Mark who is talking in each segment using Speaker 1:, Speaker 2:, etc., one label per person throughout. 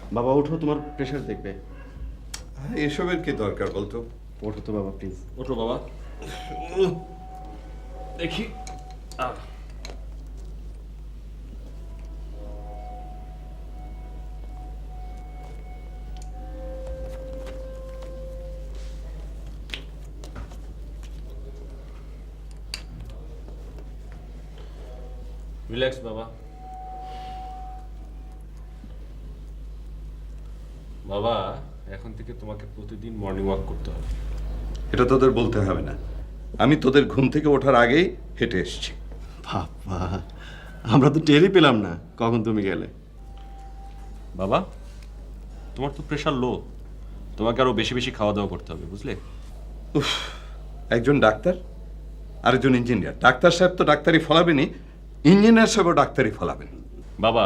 Speaker 1: বাবা ওঠো, তোমার প্রেশার দেখবে।
Speaker 2: এসবের কি দরকার বলতো?
Speaker 1: ওঠো তো বাবা প্লিজ।
Speaker 3: ওঠো বাবা, দেখি। রিল্যাক্স বাবা। বাবা, এখন থেকে তোমাকে প্রতিদিন মর্নিং ওয়াক করতে হবে।
Speaker 2: এটা তোদের বলতে হবে না, আমি তোদের ঘুম থেকে ওঠার আগেই হেঁটে এসেছি।
Speaker 1: বাবা আমরা তো টেরই পেলাম না কখন তুমি গেলে।
Speaker 3: বাবা, তোমার তো প্রেশার লো, তোমাকে আরো বেশি বেশি খাওয়া দাওয়া করতে হবে, বুঝলে?
Speaker 2: উফ, একজন ডাক্তার আরেকজন ইঞ্জিনিয়ার। ডাক্তার সাহেব তো ডাক্তারি ফলাবেনই, ইঞ্জিনিয়ার সাহেবও ডাক্তারি ফলাবেন।
Speaker 3: বাবা,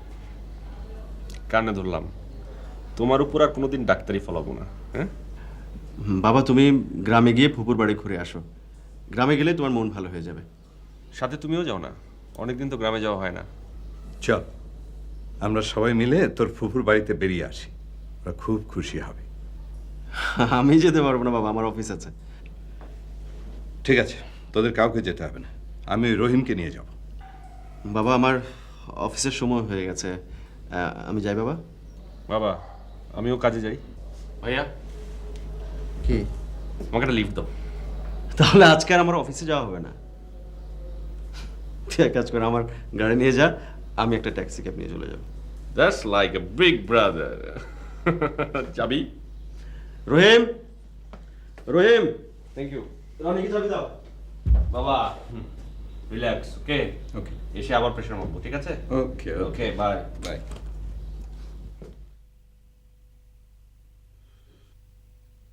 Speaker 3: কানে ধরলাম, তোমার উপর আর কোনোদিন ডাক্তারি ফলাবো না। হ্যাঁ
Speaker 1: বাবা তুমি গ্রামে গিয়ে ফুপুর বাড়ি ঘুরে আসো, গ্রামে গেলে তোমার মন ভালো হয়ে যাবে।
Speaker 3: সাথে তুমিও যাও না, অনেকদিন তো গ্রামে যাওয়া হয় না।
Speaker 2: চল আমরা সবাই মিলে তোর ফুফুর বাড়িতে বেরিয়ে আসি, ওরা খুব খুশি হবে।
Speaker 1: আমি যেতে পারবো না বাবা, আমার অফিস আছে।
Speaker 2: ঠিক আছে, তোদের কাউকে যেতে হবে না, আমি ওই রহিমকে নিয়ে যাব।
Speaker 1: বাবা আমার অফিসের সময় হয়ে গেছে, আমি যাই বাবা।
Speaker 3: বাবা, আমিও কাজে যাই। ভাইয়া,
Speaker 1: কি
Speaker 3: আমাকে একটা লিফট দাও।
Speaker 1: তাহলে আজকে আর আমার অফিসে যাওয়া হবে না। তুই এক কাজ করে আমার গাড়ি নিয়ে যা, আমি একটা ট্যাক্সি ক্যাব নিয়ে চলে যাবো।
Speaker 3: That's like a big brother. যাবি?
Speaker 1: রহিম, রহিম,
Speaker 3: থ্যাংক ইউ
Speaker 1: রনিকে চাবি দাও।
Speaker 3: বাবা। রিল্যাক্স, ওকে?
Speaker 2: ওকে
Speaker 3: এসে আবার প্রেশার মারবো, ঠিক আছে?
Speaker 2: Okay
Speaker 3: okay, bye.
Speaker 2: বাই।